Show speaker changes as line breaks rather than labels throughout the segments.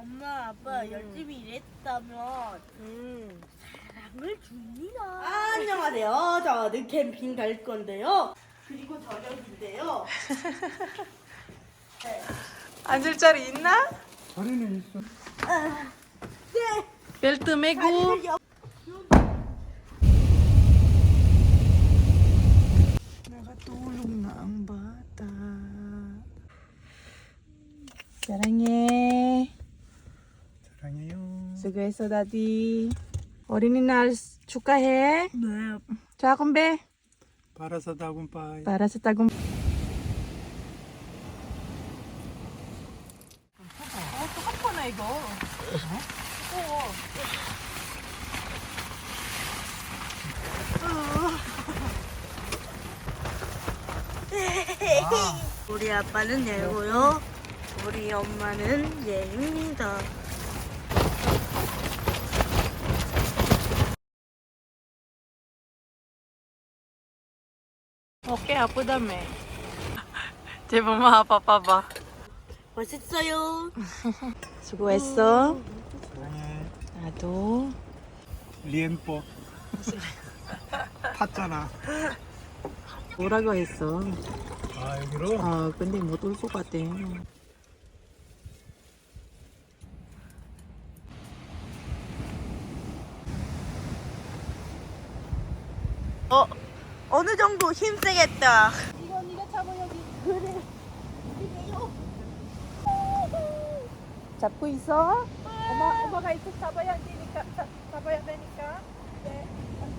엄마 아빠 열심히 일했다면 사랑을 줍니다. 안녕하세요. 저는 캠핑 갈 건데요. 그리고 저녁인데요. 네.
앉을 자리 있나?
자리는 있어.
네.
벨트 매고. Nakatulog na ang bata. 사랑해.
사랑해요.
수고했어, 다디. 어린이날 축하해.
네.
자, 건배.
Para sa tagumpay.
Para sa tagum. 똑같아 나 이거.
우리 아빠는 예고요. 우리 엄마는 예입니다.
어깨 아프다며. 제 엄마 아빠 봐봐.
멋있어요.
수고했어.
사랑해.
나도.
리엔뽀. 탔잖아.
뭐라고 했어?
아 여기로?
아 근데 못 올 것 같아.
어느 정도 힘세겠다.
이거 네가 잡아 여기. 그래. 잡고 있어. 엄마가 이쪽 잡아야 되니까 잡아야 되니까. 네.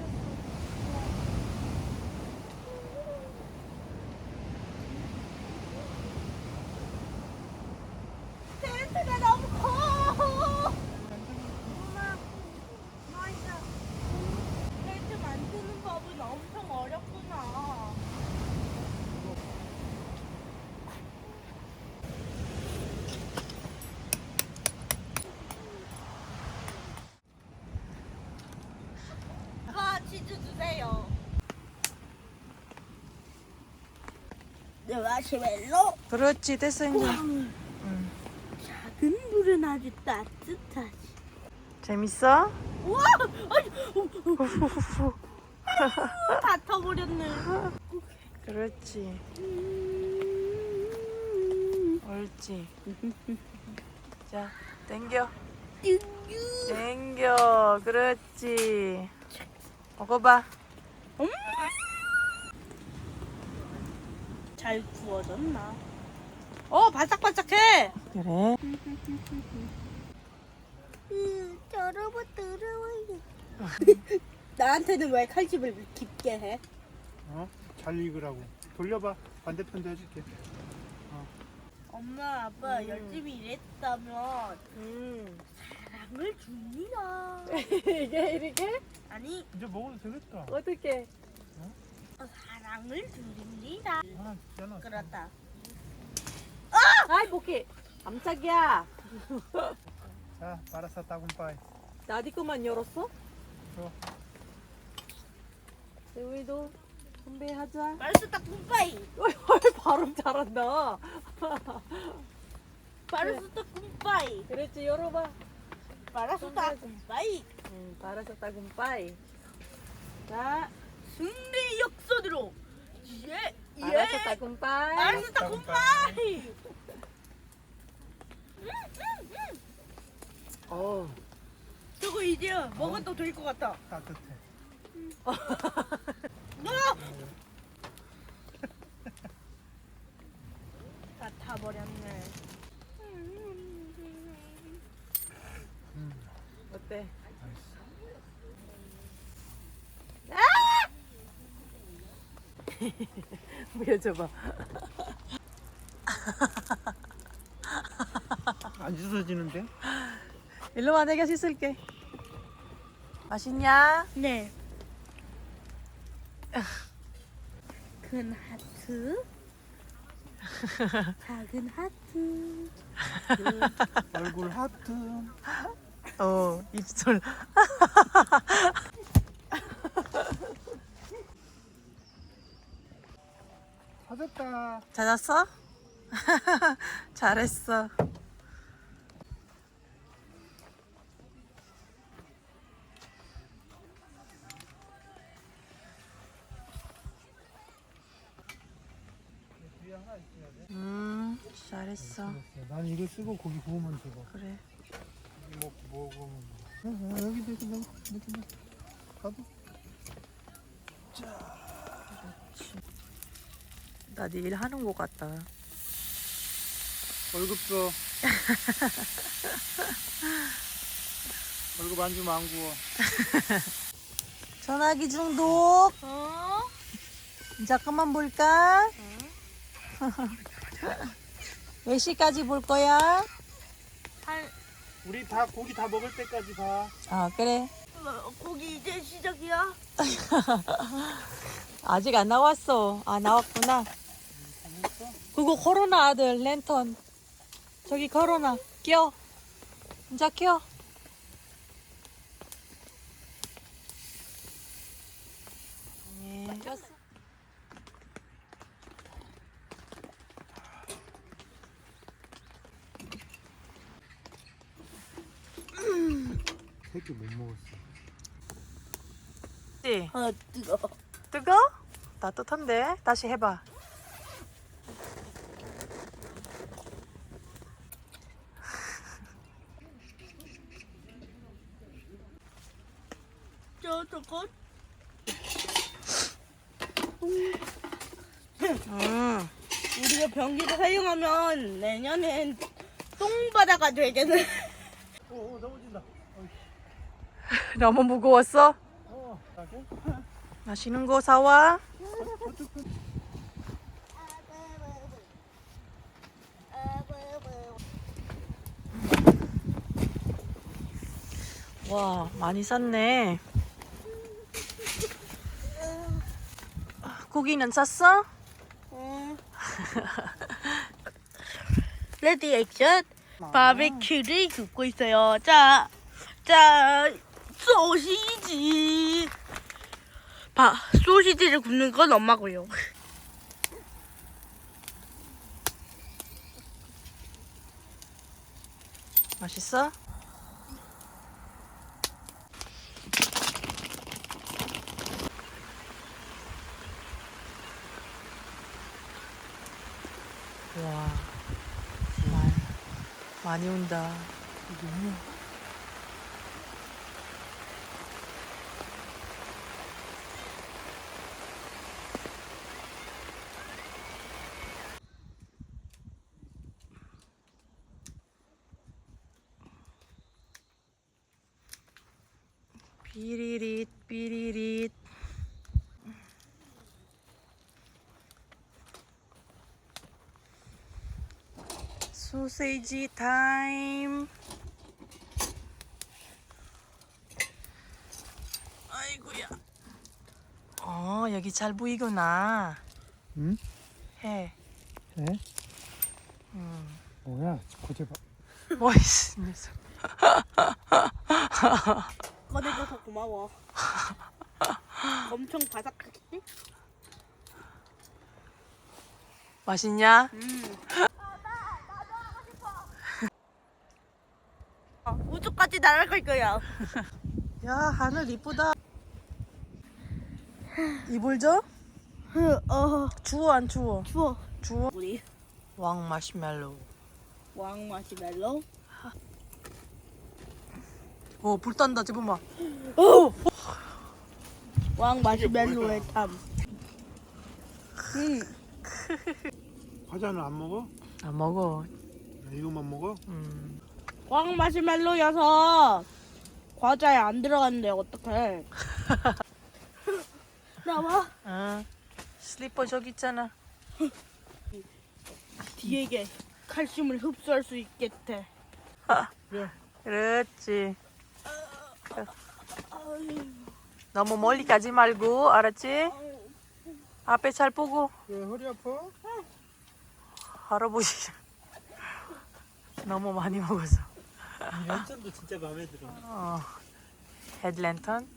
텐트가 너무 커. 엄마, 맞아. 텐트 만드는 법은 엄청 어렵구나. 아빠 치즈 주세요. 네, 마시멜로.
그렇지 됐어 이제.
작은 불은 아주 따뜻하지.
재밌어?
우와! 다 타버렸네.
그렇지. 옳지. 자, 땡겨. 땡겨. 그렇지. 먹어봐.
잘 구워졌나? 바삭바삭해.
그래.
더러워 더러워요. 나한테는 왜 칼집을 깊게 해?
어? 잘 익으라고. 돌려봐. 반대편도 해줄게.
엄마 아빠 열심히 일했다면 사랑을 줍니다.
이게 이렇게?
아니
이제 먹어도 되겠다.
어떻게?
사랑을 드립니다.
하나 있잖아.
그렇다.
아이 목이 깜짝이야.
자, para sa tagumpay.
나디 거만 열었어?
줘.
우리도 건배하자.
마르스타 쿰빠이.
헐 발음 잘한다.
마르스타 쿰빠이.
그렇지 열어봐.
마르스타 쿰빠이.
바라사타 곰빠이. 자,
승리 역선으로. 예.
바라사타 곰빠이.
마르스타 쿰빠이.
어.
저거 이제 먹어도 될 것 같아.
따뜻해.
다 타버렸네.
어때? 보여줘봐.
안 씻어지는데?
일로 와 내가 씻을게. 맛있냐?
네. 큰 하트. 작은 하트.
얼굴 하트.
입술.
찾았다.
찾았어? 잘했어.
하나 있어야 돼.
잘했어.
난 이거 쓰고 고기 구우면 되고.
그래.
고기 먹으면. 여기도 이렇게 넣어. 가도.
나 내일 하는 거 같다.
월급 줘. 월급 안 주면 안 구워.
전화기 중독.
어?
잠깐만 볼까? 몇 시까지 볼 거야?
한
우리 다 고기 다 먹을 때까지 봐.
아 그래.
고기 이제 시작이야?
아직 안 나왔어. 아 나왔구나. 그거 걸어놔 아들 랜턴. 저기 걸어놔. 껴. 이제 껴. 네. 꼈어.
새끼 못 먹었어.
네.
아 뜨거.
뜨거? 따뜻한데? 다시 해봐.
저거 우리가 변기를 사용하면 내년엔 똥바다가 되겠네.
넘어진다.
너무 무거웠어?
가게?
맛있는 거 사와. 와, 많이 샀네. 고기는 샀어?
레디 액션. 바베큐를 굽고 있어요. 자, 소시지. 소시지를 굽는 건 엄마고요.
맛있어? 와, 많이 온다. 삐리릿 삐리릿. 소세지 타임. 아이고야. 여기 잘 보이구나.
응?
해.
네? 뭐야? 고제 봐.
멋있어. 녀석.
꺼내줘서 고마워. 엄청 바삭하겠지?
맛있냐?
우주까지 날아갈 거야.
야, 하늘 이쁘다. 이불 줘? 추워 안 추워?
추워.
추워.
우리
왕 마시멜로.
왕 마시멜로.
불 딴다 지금 봐.
왕 마시멜로의 탐.
과자는 안 먹어?
안 먹어.
이것만 먹어?
왕 마시멜로여서 과자에 안 들어갔는데 어떡해. 나와.
슬리퍼 저기 있잖아.
뒤에게 칼슘을 흡수할 수 있겠대.
그래.
그렇지. 너무 멀리 가지 말고 알았지? 앞에 잘 보고.
왜 허리 아파?
할아버지 너무 많이 먹어서.
랜턴도 진짜 마음에 들어.
헤드랜턴?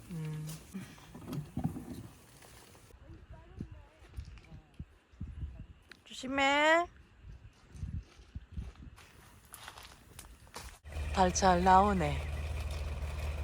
조심해. 달 잘 나오네.